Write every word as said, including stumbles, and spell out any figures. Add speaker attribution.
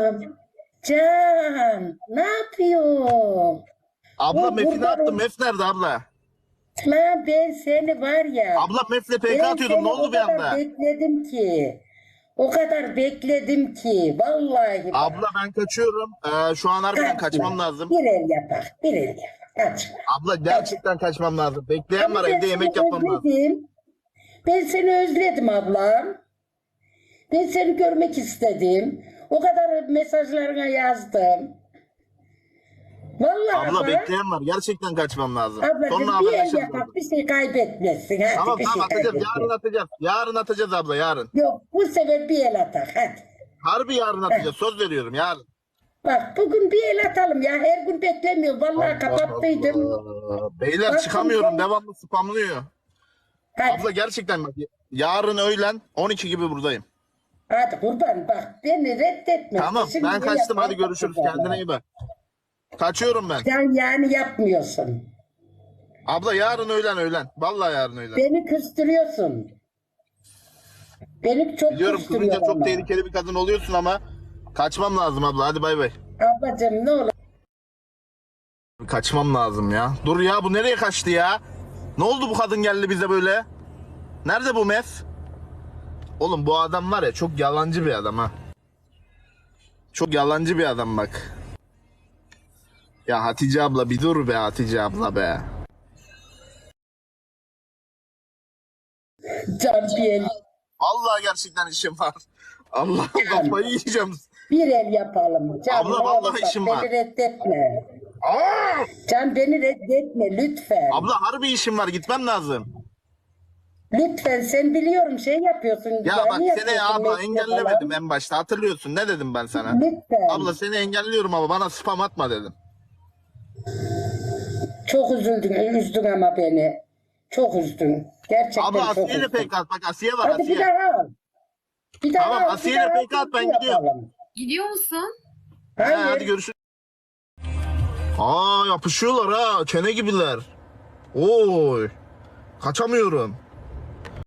Speaker 1: Selam. Can, ne yapıyorsun?
Speaker 2: Abla
Speaker 1: O
Speaker 2: Mef'i ne
Speaker 1: burada-
Speaker 2: yaptın? Mef nerede abla?
Speaker 1: Lan ben seni var ya.
Speaker 2: Abla Mef'le P K
Speaker 1: ben
Speaker 2: atıyordum.
Speaker 1: seni
Speaker 2: Ne oldu
Speaker 1: o
Speaker 2: bir
Speaker 1: kadar
Speaker 2: anda?
Speaker 1: bekledim ki. O kadar bekledim ki. Vallahi bak.
Speaker 2: Abla ben kaçıyorum. Ee, şu an harbiden
Speaker 1: Kaçma.
Speaker 2: kaçmam lazım.
Speaker 1: Bir el yapak, bir el yapak. Kaçma.
Speaker 2: Abla gerçekten kaçmam lazım. Bekleyen
Speaker 1: Ama
Speaker 2: var,
Speaker 1: ben
Speaker 2: evde yemek
Speaker 1: seni
Speaker 2: yapmam lazım.
Speaker 1: özledim. Ben seni özledim ablam. Ben seni görmek istedim. O kadar mesajlarına yazdım. Vallahi
Speaker 2: Abla
Speaker 1: bak.
Speaker 2: bekleyen var. Gerçekten kaçmam lazım. Sonra
Speaker 1: Ablacığım bir el
Speaker 2: haberleşiriz.
Speaker 1: yapak, bir şey kaybetmesin. Hadi
Speaker 2: Tamam
Speaker 1: bir
Speaker 2: tamam
Speaker 1: şey
Speaker 2: atacağız.
Speaker 1: kaybetmesin.
Speaker 2: Yarın atacağız. Yarın atacağız abla yarın.
Speaker 1: Yok, bu sefer bir el atak hadi.
Speaker 2: Harbi yarın atacağız. Söz veriyorum yarın.
Speaker 1: Bak bugün bir el atalım ya, her gün beklemiyorum. Vallahi kapattıydım.
Speaker 2: Allah. Beyler
Speaker 1: Bakın
Speaker 2: çıkamıyorum.
Speaker 1: ben-
Speaker 2: Devamlı spamlıyor.
Speaker 1: Hadi,
Speaker 2: Abla gerçekten bak. Yarın öğlen on iki gibi buradayım.
Speaker 1: hadi kurban bak, beni reddetme.
Speaker 2: Tamam
Speaker 1: Şimdi
Speaker 2: ben
Speaker 1: bu
Speaker 2: kaçtım. Hadi
Speaker 1: yapar-
Speaker 2: görüşürüz. Kendine iyi bak. Kaçıyorum ben.
Speaker 1: Sen yani yapmıyorsun.
Speaker 2: Abla yarın öğlen öğlen. Vallahi yarın öğlen.
Speaker 1: Beni kıstırıyorsun. Beni çok
Speaker 2: Biliyorum
Speaker 1: kıstırıyor
Speaker 2: kızınca çok
Speaker 1: ama.
Speaker 2: tehlikeli bir kadın oluyorsun ama kaçmam lazım abla. Hadi bay bay.
Speaker 1: Ablacığım ne olur.
Speaker 2: Kaçmam lazım ya. Dur ya bu nereye kaçtı ya? Ne oldu bu kadın geldi bize böyle? Nerede bu mef? Oğlum bu adam var ya çok yalancı bir adam ha. Çok yalancı bir adam bak. Ya Hatice abla bir dur be Hatice abla be.
Speaker 1: Can bir el,
Speaker 2: Vallahi gerçekten işim var. Allah kafayı yiyeceğim.
Speaker 1: bir el yapalım. Can,
Speaker 2: Abla,
Speaker 1: ne
Speaker 2: vallahi
Speaker 1: olur bak,
Speaker 2: işim
Speaker 1: beni
Speaker 2: var.
Speaker 1: reddetme.
Speaker 2: Aa!
Speaker 1: Can beni reddetme lütfen.
Speaker 2: Abla harbi işim var gitmem lazım.
Speaker 1: Lütfen, sen biliyorum şey yapıyorsun.
Speaker 2: Ya
Speaker 1: yani
Speaker 2: bak seni
Speaker 1: yapıyorsun,
Speaker 2: abla
Speaker 1: mesle
Speaker 2: engellemedim
Speaker 1: falan.
Speaker 2: en başta hatırlıyorsun ne dedim ben sana?
Speaker 1: Lütfen.
Speaker 2: Abla seni engelliyorum ama bana spam atma dedim.
Speaker 1: Çok üzüldün, üzdün ama beni. Çok üzdün. Gerçekten
Speaker 2: Abla
Speaker 1: çok
Speaker 2: Asiye ile
Speaker 1: üzdün.
Speaker 2: pek at bak Asiye var
Speaker 1: Hadi bir
Speaker 2: Asiye.
Speaker 1: daha al. Bir daha
Speaker 2: Tamam,
Speaker 1: al,
Speaker 2: Asiye
Speaker 1: bir
Speaker 2: ile
Speaker 1: daha
Speaker 2: pek at, ben
Speaker 1: bir
Speaker 2: gidiyorum.
Speaker 1: yapalım.
Speaker 3: Gidiyor musun?
Speaker 2: He,
Speaker 1: Hayır.
Speaker 2: hadi görüşürüz. Aa yapışıyorlar ha çene gibiler. Oy kaçamıyorum.